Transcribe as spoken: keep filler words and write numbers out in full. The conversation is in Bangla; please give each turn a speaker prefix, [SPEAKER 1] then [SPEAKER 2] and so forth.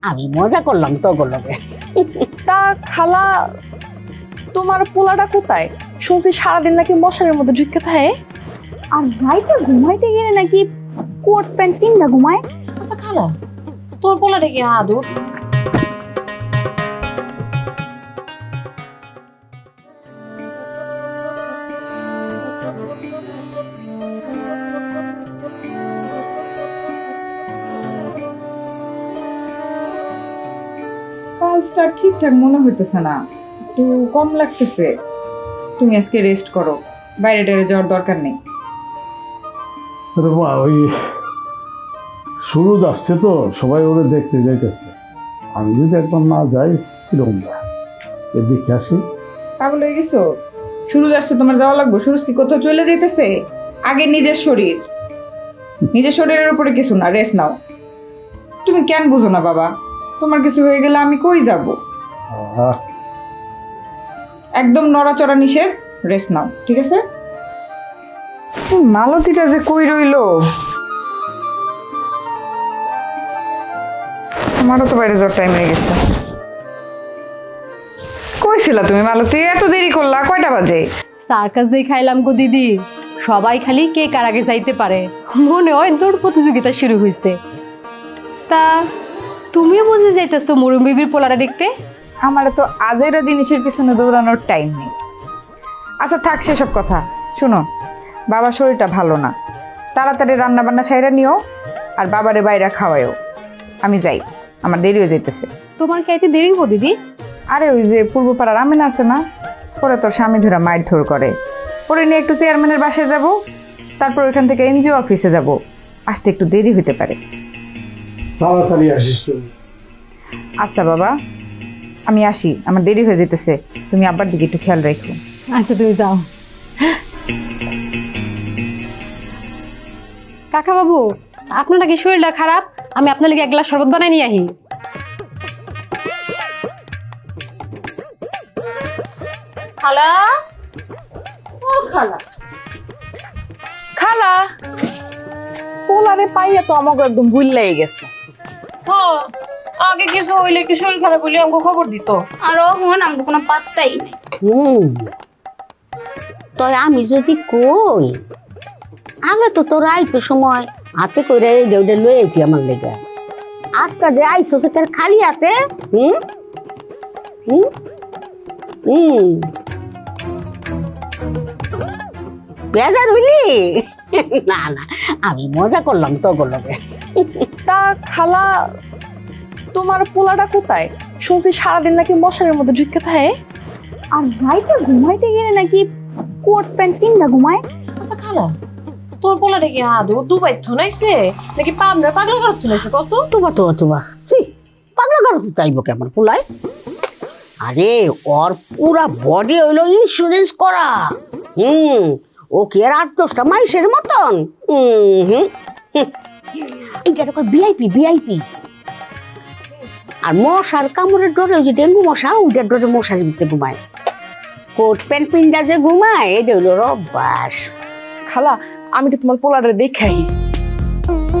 [SPEAKER 1] আমি মজা করলাম তো লগে।
[SPEAKER 2] তা খালা, তোমার পোলাটা কোথায়? শুনছি সারাদিন নাকি মশারের মধ্যে ঢুকে থাকে।
[SPEAKER 3] আর রাইতে ঘুমাইতে গেলে নাকি কোট প্যান্ট কিনবা ঘুমায়।
[SPEAKER 4] আচ্ছা খালা, তোর পোলাটা কি আদত?
[SPEAKER 5] কাজটা ঠিকঠাক মনে হইতেছে না, একটু কম লাগতেছে। তুমি আজকে রেস্ট করো, বাইরে টাইরে যাওয়ার দরকার নেই।
[SPEAKER 6] আরে মা, ওই সুরজ আসছে তো, সবাই ওরে দেখতে যাইতেছে। আমি যদি একবার না যাই কিরকম না, দেখে আসি।
[SPEAKER 5] পাগল হয়ে গেছো? সুরজ আসছে, তোমার যাওয়া লাগবে? সুরজ কি কোথাও চলে যাইতেছে? আগে নিজের শরীর, নিজের শরীরের উপরে কিছু না, রেস্ট নাও। তুমি কেন বুঝো না বাবা? তোমার কিছু হয়ে গেলে আমি কই যাব?
[SPEAKER 6] আহ,
[SPEAKER 5] একদম নড়াচড়া নিষেধ, রেস্ট নাও, ঠিক আছে? মালতীটা যে কই রইলো, আমারও তো বাইরে যাওয়ার টাইম হয়ে গেছে। কইছিলা তুমি মালতী? এত দেরি করলা, কয়টা বাজে?
[SPEAKER 7] সার্কাস দেখাইলাম গো দিদি, সবাই খালি কে কার আগে যাইতে পারে, মনে হয় দৌড় প্রতিযোগিতা শুরু হয়েছে। তা তুমিও বুঝে যাইতেছো মরুম বিবির পোলাটা দেখতে?
[SPEAKER 5] আমার তো আজেরা জিনিসের পিছনে দৌড়ানোর টাইম নেই। আচ্ছা থাক সেসব কথা, শুনো, বাবার শরীরটা ভালো না, তাড়াতাড়ি রান্না বান্না সাইরা নিও, আর বাবারে বাইরে খাওয়াইও। আমি যাই, আমার দেরিও যাইতেছে।
[SPEAKER 7] তোমার খাইতে দেরি হবো দিদি?
[SPEAKER 5] আরে ওই যে পূর্বপাড়ার আমিন আছে না, পরে তোর স্বামী ধরা মাইর ধর করে, পরে নিয়ে একটু চেয়ারম্যানের বাসায় যাব, তারপর ওইখান থেকে এনজিও অফিসে যাব, আসতে একটু দেরি হতে পারে।
[SPEAKER 6] তাড়াতাড়ি আসিস তুমি।
[SPEAKER 5] আচ্ছা বাবা, আমি আসি, আমার দেরি হয়ে যেতেছে, তুমি আব্বার দিকে একটু খেয়াল রাখো।
[SPEAKER 7] আচ্ছা তুমি যাও। কাকা বাবু, আপনার নাকি শরীরটা খারাপ, আমি আপনার লাগে এক গ্লাস শরবত বানাই নিয়ে আহি।
[SPEAKER 4] খালা, ও খালা,
[SPEAKER 2] খালা, পোলারে পাইয়া তো আমাকে একদম ভুল লেগে গেছে।
[SPEAKER 4] হ্যাঁ আগে কিছু হইলে কি শরীর খারাপ হইলে আমাকে খবর দিত।
[SPEAKER 3] আর অহন আমাকে কোনো পাত্তাই নেই।
[SPEAKER 1] হুম, তয় আমি যদি কই, আগে তো তোর আইতো সময় হাতে করে এই দেউডে লয়ে আইতি আমার লেগে। আজকে যে আইছো সে তোর খালি হাতে। হুম হুম হুম বেজার হইলি? না না, আমি মজা করলাম তো লগে।
[SPEAKER 2] তা খালা, তোমার পোলাটা কোথায়? শুনছি সারাদিন নাকি মশারের মধ্যে ঢুকে থাকে।
[SPEAKER 3] আর রাইতে ঘুমাইতে গেলে নাকি কোট প্যান্ট কিনবা ঘুমায়।
[SPEAKER 4] আচ্ছা খালা, তোর পোলাটা কি আদত দুবাই থনাইছে নাকি পাবনা পাগলা ঘর থনাইছে? কত
[SPEAKER 1] তুবা তুবা তুবা পাগলা গাড়ো চাইব কেমন পোলায়? আরে ওর পুরা বডি হইলো ইন্স্যুরেন্স করা। হুম, ও কি আর আট দশটা মাইসের মতন? হুম হুম এইটা তো ভিআইপি ভিআইপি। আর মশার কামড়ের ডরে, ওই যে ডেঙ্গু মশা, ওইটার ডরে মশারির ভিতরে ঘুমায়। কোট প্যান্ট পিন্ডা যে ঘুমায়, এটা হইলো রব্বাস।
[SPEAKER 2] খালা, আমি তো তোমার পোলারে দেখাই।